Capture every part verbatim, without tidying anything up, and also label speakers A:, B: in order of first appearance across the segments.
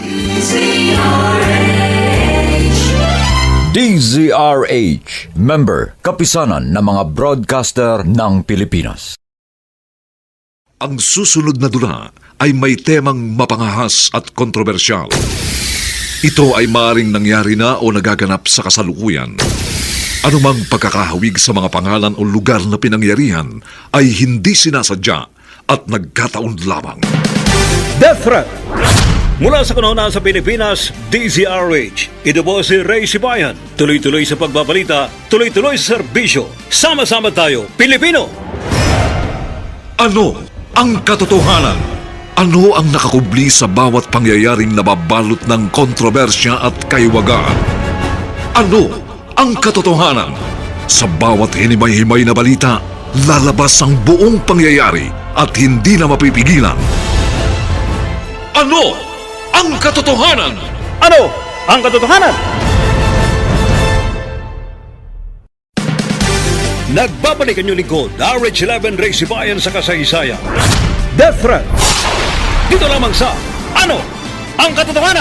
A: D Z R H, member, kapisanan ng mga broadcaster ng Pilipinas.
B: Ang susunod na dula ay may temang mapangahas at kontrobersyal. Ito ay maaaring nangyari na o nagaganap sa kasalukuyan. Anumang pagkakahawig sa mga pangalan o lugar na pinangyarihan ay hindi sinasadya at nagkataon lamang.
C: Death Threat. Mula sa kanuna sa Pilipinas, D Z R H. Ito po si Ray Sibayan. Tuloy-tuloy sa pagbabalita, tuloy-tuloy sa serbisyo. Sama-sama tayo, Pilipino!
B: Ano ang katotohanan? Ano ang nakakubli sa bawat pangyayaring nababalot ng kontrobersya at kaiwagaan? Ano ang katotohanan? Sa bawat hinimay-himay na balita, lalabas ang buong pangyayari at hindi na mapipigilan. Ano ang katotohanan?
C: Ano ang katotohanan? Nagbabalik ang inyong lingkod, R H eleven Ray Sibayan sa kasaysayan. Death Threat. Dito lamang sa Ano ang katotohanan?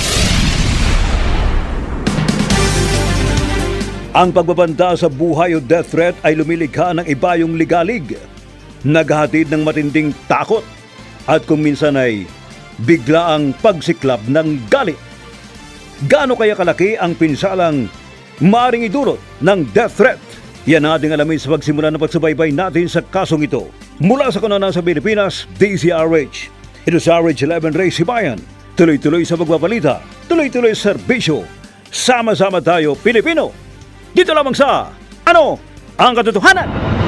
C: Ang pagbabanta sa buhay o death threat ay lumilikha ng ibayong ligalig, naghahatid ng matinding takot, at kung minsan ay bigla ang pagsiklab ng galit. Gaano kaya kalaki ang pinsalang maaring idulot ng death threat? Yan ang ating alamin sa pagsimula ng pagsubaybay natin sa kasong ito. Mula sa kanana sa Pilipinas, D Z R H. Ito sa R H eleven Ray Sibayan. Tuloy-tuloy sa pagbabalita, tuloy-tuloy sa serbisyo. Sama-sama tayo, Pilipino! Dito lamang sa Ano ang katotohanan?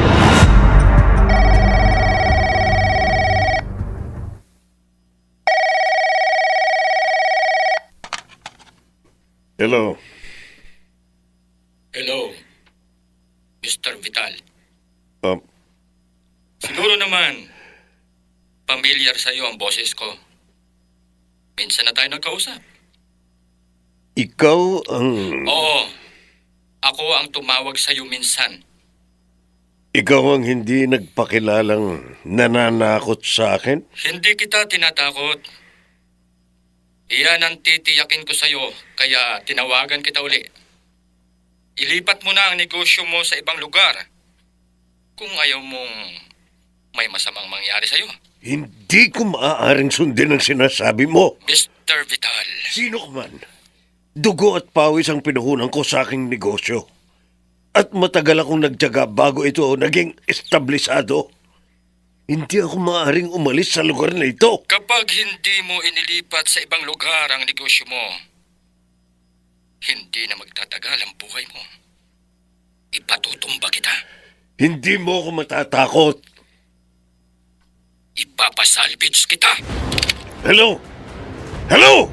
D: Hello.
E: Hello, Mister Vital.
D: Um,
E: Siguro naman, pamilyar sa iyo ang boses ko. Minsan na tayo nagkausap.
D: ikaw ang...
E: Oo, ako ang tumawag sa iyo minsan.
D: Ikaw ang hindi nagpakilalang nananakot sa akin?
E: Hindi kita tinatakot. Iyan ang titiyakin ko sa iyo, kaya tinawagan kita uli. Ilipat mo na ang negosyo mo sa ibang lugar. Kung ayaw mong may masamang mangyari sa iyo.
D: Hindi ko maaaring sundin ang sinasabi mo.
E: Mister Vital,
D: Sino ka man? Dugo at pawis ang pinuhunan ko sa aking negosyo. At matagal akong nagtiyaga bago ito naging establisado. Hindi ako maaaring umalis sa lugar na ito.
E: kapag hindi mo inilipat sa ibang lugar ang negosyo mo, hindi na magtatagal ang buhay mo. Ipatutumba kita.
D: Hindi mo ako matatakot.
E: Ipapasalvage kita.
D: Hello? Hello?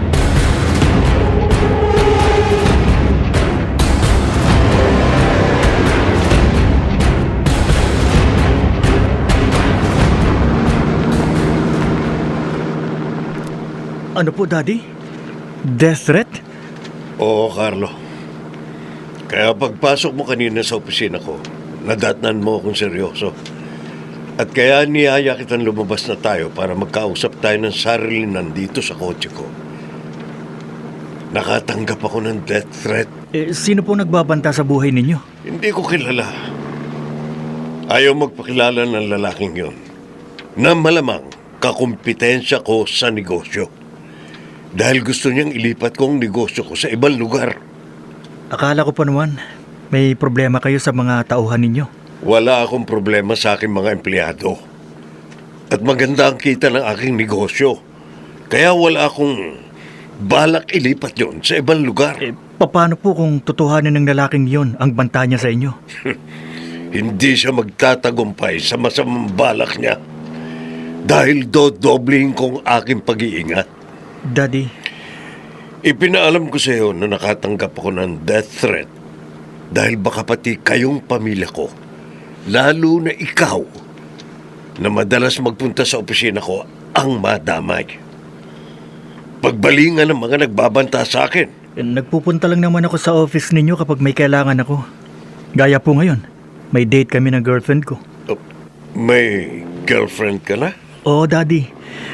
F: Ano po, Daddy? Death threat?
D: Oo, Carlo. Kaya pagpasok mo kanina sa opisina ko, nadatnan mo akong seryoso. At kaya niyaya kitang lumabas na tayo para magkausap tayo ng sarili nandito sa kotse ko. Nakatanggap ako ng death threat.
F: Eh, sino po nagbabanta sa buhay ninyo?
D: Hindi ko kilala. Ayaw magpakilala ng lalaking yon. Na malamang kakumpetensya ko sa negosyo. Dahil gusto niyang ilipat ko ang negosyo ko sa ibang lugar.
F: Akala ko pa naman, may problema kayo sa mga tauhan ninyo.
D: Wala akong problema sa aking mga empleyado. At maganda ang kita ng aking negosyo. Kaya wala akong balak ilipat yon sa ibang lugar.
F: Eh, paano po kung totohanan ng lalaking yon ang banta niya sa inyo?
D: Hindi siya magtatagumpay sa masamang balak niya. Dahil dodobling kong aking pag-iingat.
F: Daddy,
D: Ipinaalam ko sa iyo na nakatanggap ako ng death threat dahil baka pati kayong pamilya ko, lalo na ikaw, na madalas magpunta sa opisina ko ang madamay. Pagbalingan ng mga nagbabanta sa akin.
F: eh, nagpupunta lang naman ako sa office ninyo kapag may kailangan ako. Gaya po ngayon, may date kami ng girlfriend ko.
D: Oh, may girlfriend ka na?
F: Oo, Daddy.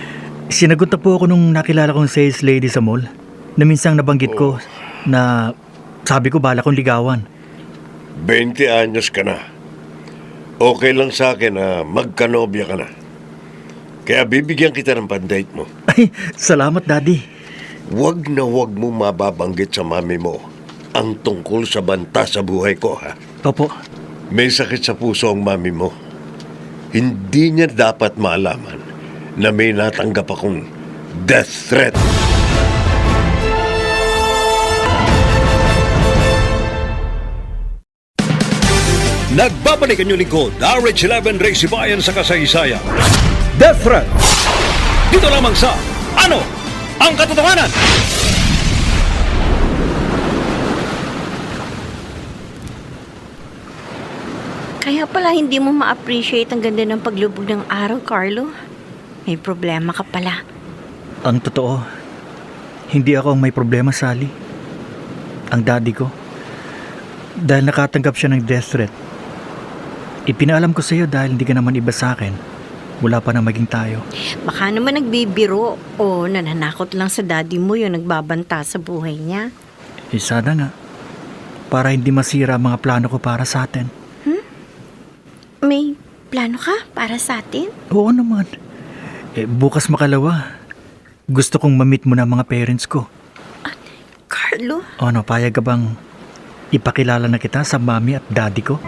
F: Sinagot na po ako nung nakilala kong sales lady sa mall na minsang nabanggit ko na sabi ko bala kong ligawan.
D: twenty anyos ka na. Okay lang sa akin na magkanobya ka na. Kaya bibigyan kita ng pandate mo.
F: Ay, salamat daddy.
D: Huwag na huwag mo mababanggit sa mami mo ang tungkol sa banta sa buhay ko, ha?
F: Opo.
D: May sakit sa puso ang mami mo. Hindi niya dapat malaman na may natanggap akong death threat.
C: Nagbabalik ang inyong lingkod, R H eleven Race Bayan sa kasaysayan. Death Threat. Dito lamang sa Ano ang Katotohanan?
G: Kaya pala hindi mo ma-appreciate ang ganda ng paglubog ng araw, Carlo. May problema ka pala.
F: Ang totoo, hindi ako ang may problema, Sally. Ang daddy ko. Dahil nakatanggap siya ng death threat. Ipinaalam ko sa iyo dahil hindi ka naman iba sa akin. Wala pa na maging tayo.
G: Baka naman nagbibiro o nananakot lang sa daddy mo yung nagbabanta sa buhay niya.
F: Eh sana nga. Para hindi masira ang mga plano ko para sa atin.
G: May plano ka para sa atin?
F: Oo naman. Eh, bukas makalawa. Gusto kong ma-meet mo na mga parents ko.
G: Carlo?
F: O ano, payag ka bang ipakilala na kita sa mami at daddy ko?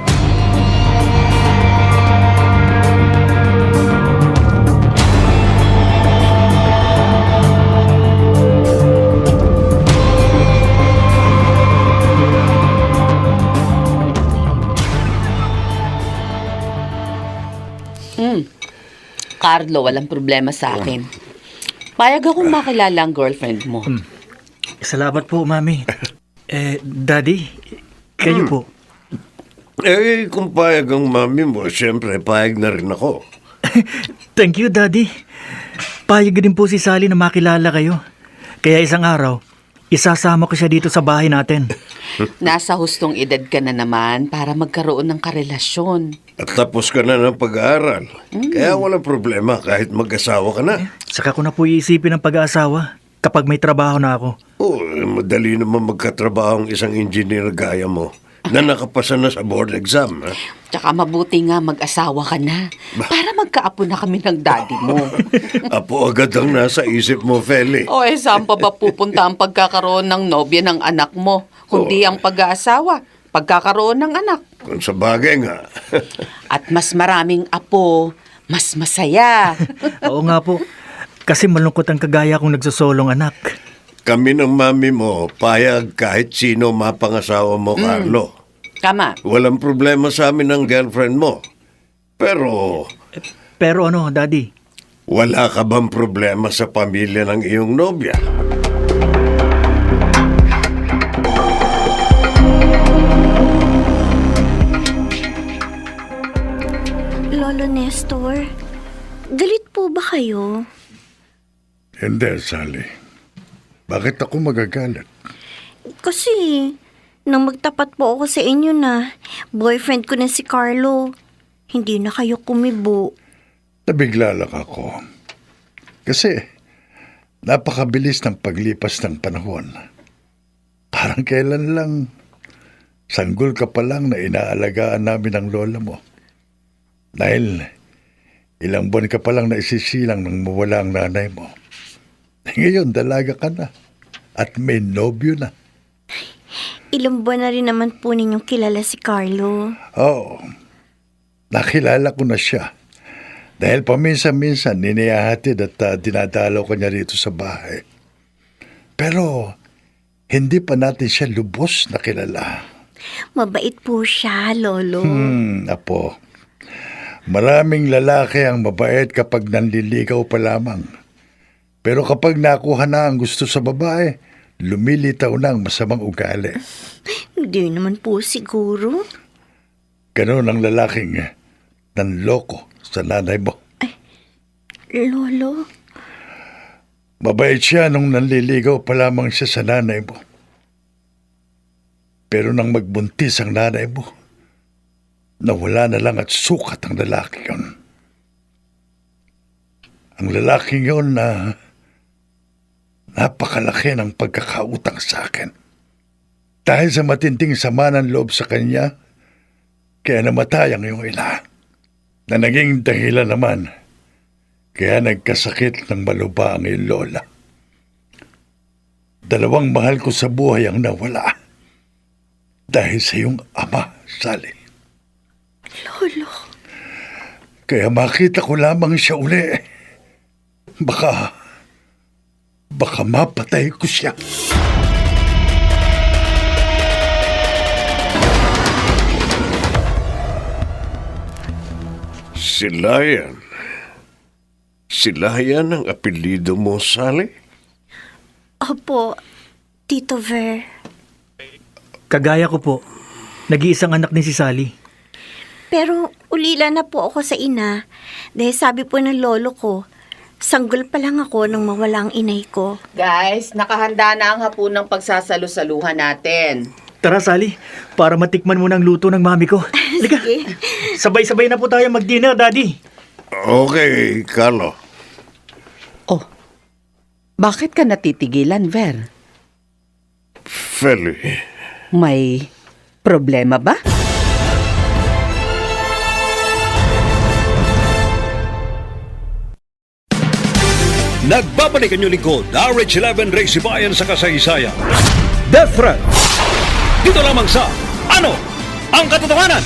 H: Hmm. Carlo, walang problema sa akin. Payag akong makilala ang girlfriend mo.
F: Salamat po, mami. Eh, daddy, kayo po.
D: Eh, kung payag ang mami mo, siyempre payag na rin ako.
F: Thank you, daddy. Payag din po si Sally na makilala kayo. Kaya isang araw, isasama ko siya dito sa bahay natin.
H: Nasa hustong edad ka na naman para magkaroon ng karelasyon.
D: At tapos ka na ng pag-aaral. Kaya walang problema kahit mag-asawa ka na.
F: Saka ko na po iisipin ang pag-aasawa kapag may trabaho na ako.
D: Oo, eh, madali naman magkatrabaho ang isang engineer gaya mo na nakapasa na sa board exam. Ha?
H: Tsaka mabuti nga mag-asawa ka na para magkaapo na kami ng daddy mo.
D: Apo agad ang nasa isip mo, Feli.
H: O eh, saan pa ba pupunta ang pagkakaroon ng nobya ng anak mo? Kundi ang pag-aasawa, pagkakaroon ng anak.
D: Kung sa bagay nga.
H: At mas maraming apo, mas masaya.
F: Oo nga po. Kasi malungkot ang kagaya kong nagsosolong anak.
D: Kami ng mami mo, payag kahit sino mapangasawa mo, Carlo.
H: Tama.
D: Walang problema sa amin ng girlfriend mo. Pero
F: Pero ano, daddy?
D: wala ka bang problema sa pamilya ng iyong nobya?
G: Lolo Nestor, galit po ba kayo?
I: Hindi, Sally. Bakit ako magagalit?
G: Kasi, nang magtapat po ako sa inyo na boyfriend ko na si Carlo, hindi na kayo kumibo.
I: Nabigla lang ako. Kasi, napakabilis ng paglipas ng panahon. Parang kailan lang, sanggol ka pa lang na inaalagaan namin ng lola mo. Dahil, ilang buwan ka pa lang na isisilang nang mawala ang nanay mo. Ngayon, dalaga ka na. At may nobyo na.
G: Ilang buwan na rin naman po ninyong kilala si Carlo.
I: Oo. Nakilala ko na siya. Dahil paminsan-minsan niniyahatid at uh, dinadalaw ko niya rito sa bahay. Pero hindi pa natin siya lubos na kilala.
G: Mabait po siya, Lolo.
I: Hmm, apo. Maraming lalaki ang mabait kapag nanliligaw pa lamang. Pero kapag nakuha na ang gusto sa babae, lumilitaw na ang masamang ugali.
G: Hindi naman po siguro.
I: Ganon ang lalaking nanloko sa nanay mo.
G: Lolo,
I: Mabait siya nung nanliligaw pa lamang siya sa nanay mo. Pero nang magbuntis ang nanay mo, nawala na lang at sukat ang lalaki yun. ang lalaking yon na napakalaki ng pagkakautang sa akin. Dahil sa matinding sama ng loob sa kanya, kaya namatay ang iyong ina. Na naging dahilan naman, kaya nagkasakit ng maluba ang iyong lola. Dalawang mahal ko sa buhay ang nawala dahil sa iyong ama, Sally.
G: Lolo.
I: Kaya makita ko lamang siya uli. Baka, baka mapatay ko siya.
D: Si Lion. Si Lion ang apelido mo, Sally?
G: Opo, Tito Ver.
F: Kagaya ko po, nag-iisang anak din si Sally.
G: Pero ulila na po ako sa ina dahil sabi po ng lolo ko, sanggol pa lang ako nang mawala ang inay ko.
H: Guys, nakahanda na ang hapunang pagsasalo-saluhan natin.
F: Tara Sally, para matikman mo ng luto ng mami ko. Halika,
G: Sige.
F: sabay-sabay na po tayo mag-dinner, Daddy.
D: Okay, Carlo.
H: Oh, bakit ka natitigilan, Ver?
D: Feli,
H: May problema ba?
C: Nagbabalik ang inyong lingkod, R H eleven Race Bayan sa kasaysayan. Death Threat. Dito lamang sa Ano ang Katotohanan?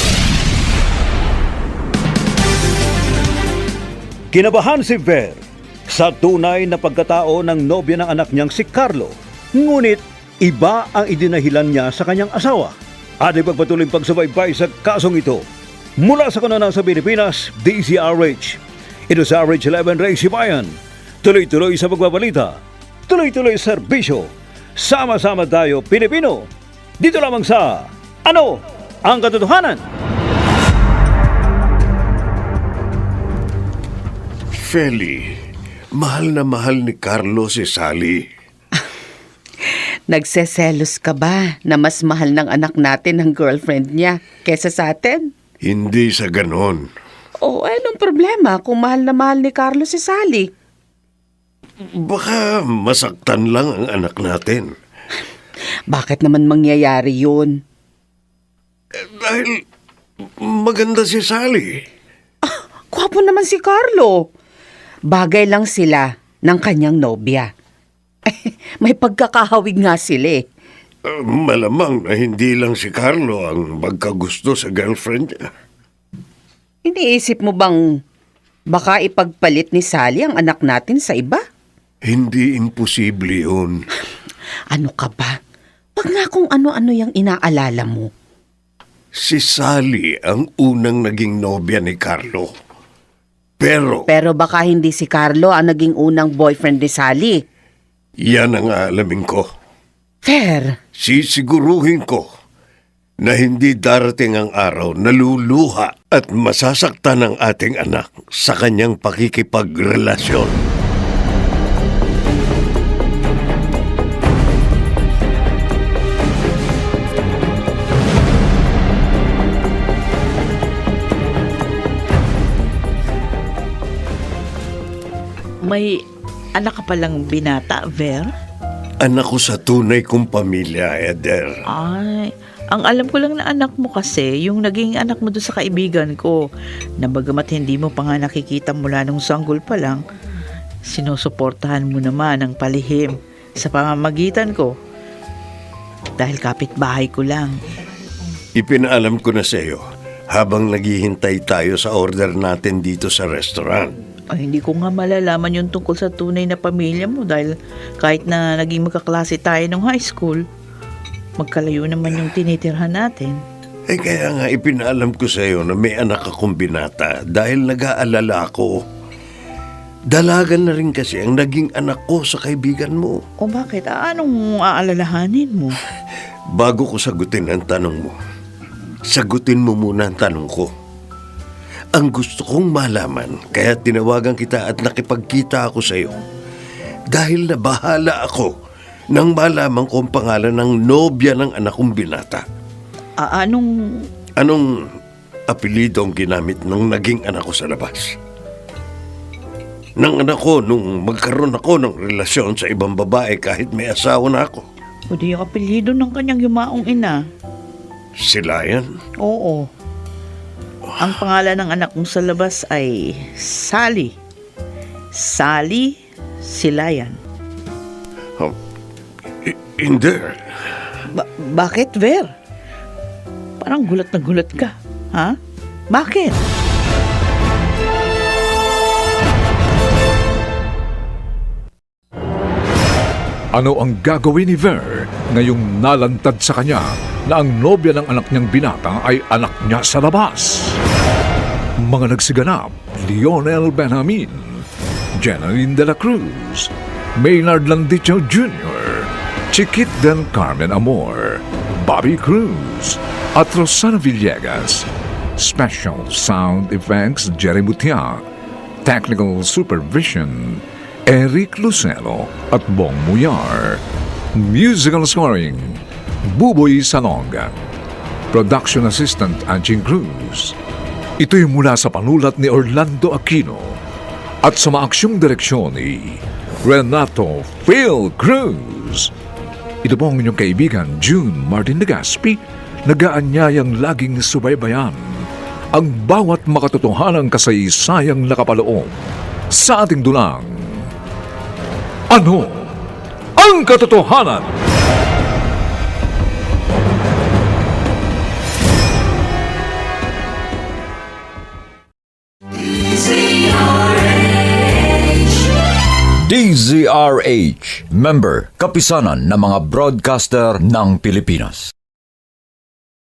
C: Kinabahan si Ver sa tunay na pagkatao ng nobya ng anak niyang si Carlo. Ngunit iba ang idinahilan niya sa kanyang asawa. At ipagpatuloy pagsubaybay sa kasong ito. Mula sa kanunang sa Pilipinas, D Z R H. Ito sa R H eleven Race Bayan. Tuloy-tuloy sa pagbabalita. Tuloy-tuloy sa serbisyo. Sama-sama tayo, Pilipino. Dito lamang sa Ano ang Katotohanan?
D: Feli, mahal na mahal ni Carlo si Sally.
H: Nagseselos ka ba na mas mahal ng anak natin ang girlfriend niya kesa sa atin?
D: Hindi sa ganon.
H: O anong problema kung mahal na mahal ni Carlos si Sally?
D: Baka masaktan lang ang anak natin.
H: Bakit naman mangyayari yun?
D: Dahil maganda si Sally.
H: Gwapo naman si Carlo. Bagay lang sila ng kanyang nobya. May pagkakahawig nga sila eh.
D: Uh, malamang na hindi lang si Carlo ang magkagusto sa girlfriend niya.
H: Iniisip mo bang baka ipagpalit ni Sally ang anak natin sa iba?
D: Hindi imposible yun.
H: Ano ka ba? Wag nga kung ano-ano yung inaalala mo.
D: Si Sally ang unang naging nobya ni Carlo. Pero
H: Pero baka hindi si Carlo ang naging unang boyfriend ni Sally.
D: yan ang aalamin ko.
H: Fair.
D: Sisiguruhin ko na hindi darating ang araw na luluha at masasaktan ang ating anak sa kanyang pakikipagrelasyon.
J: May anak ka palang binata, Ver?
D: Anak ko sa tunay kong pamilya, Eder.
J: Ay, ang alam ko lang na anak mo kasi, yung naging anak mo doon sa kaibigan ko, na bagamat hindi mo pa nga nakikita mula nung sanggol pa lang, sinusuportahan mo naman ang palihim sa pamamagitan ko. Dahil kapitbahay ko lang.
D: Ipinaalam ko na sa iyo habang naghihintay tayo sa order natin dito sa restaurant.
J: Ay, hindi ko nga malalaman yung tungkol sa tunay na pamilya mo dahil kahit na naging magkaklase tayo nung high school, magkalayo naman yung tinitirhan natin.
D: Eh kaya nga ipinaalam ko sa iyo na may anak akong binata dahil nag-aalala ako. Dalagan na rin kasi ang naging anak ko sa kaibigan mo.
J: O bakit? Ah, anong aalalahanin mo?
D: Bago ko sagutin ang tanong mo, sagutin mo muna ang tanong ko. Ang gusto kong malaman, kaya tinawagan kita at nakipagkita ako sa iyo. Dahil nabahala ako nang malaman ko ang pangalan ng nobya ng anak kong binata.
J: Ah, anong...
D: Anong apelido ang ginamit ng naging anak ko sa labas? ng anak ko nung magkaroon ako ng relasyon sa ibang babae kahit may asawa na ako.
J: O di yung apelyido ng kanyang yumaong ina.
D: Sila yan?
J: Oo. Ang pangalan ng anak mong sa labas ay Sally. Sally Silayan.
D: Oh, i- hindi.
J: Ba- bakit, Ver? Parang gulat na gulat ka. Ha? Bakit?
B: Ano ang gagawin ni Ver ngayong nalantad sa kanya na ang nobya ng anak niyang binata ay anak niya sa labas? Mga nagsiganap, Lionel Benjamin, Jenaline de la Cruz, Maynard Landicho Junior, Chiquit del Carmen Amor, Bobby Cruz, at Rosana Villegas. Special Sound Effects Jerry Mutia, Technical Supervision Eric Lucero at Bong Muyar. Musical scoring Buboy Salonga. Production Assistant Anching Cruz. Ito'y mula sa panulat ni Orlando Aquino at sa maaksyong direksyon ni Renato Phil Cruz. Ito po ang inyong kaibigan June Martin Legaspi, nagaanyayang laging subaybayan ang bawat makatotohanang kasaysayang nakapaloob sa ating dulang. Ano ang katotohanan?
A: D Z R H, member, kapisanan ng mga broadcaster ng Pilipinas.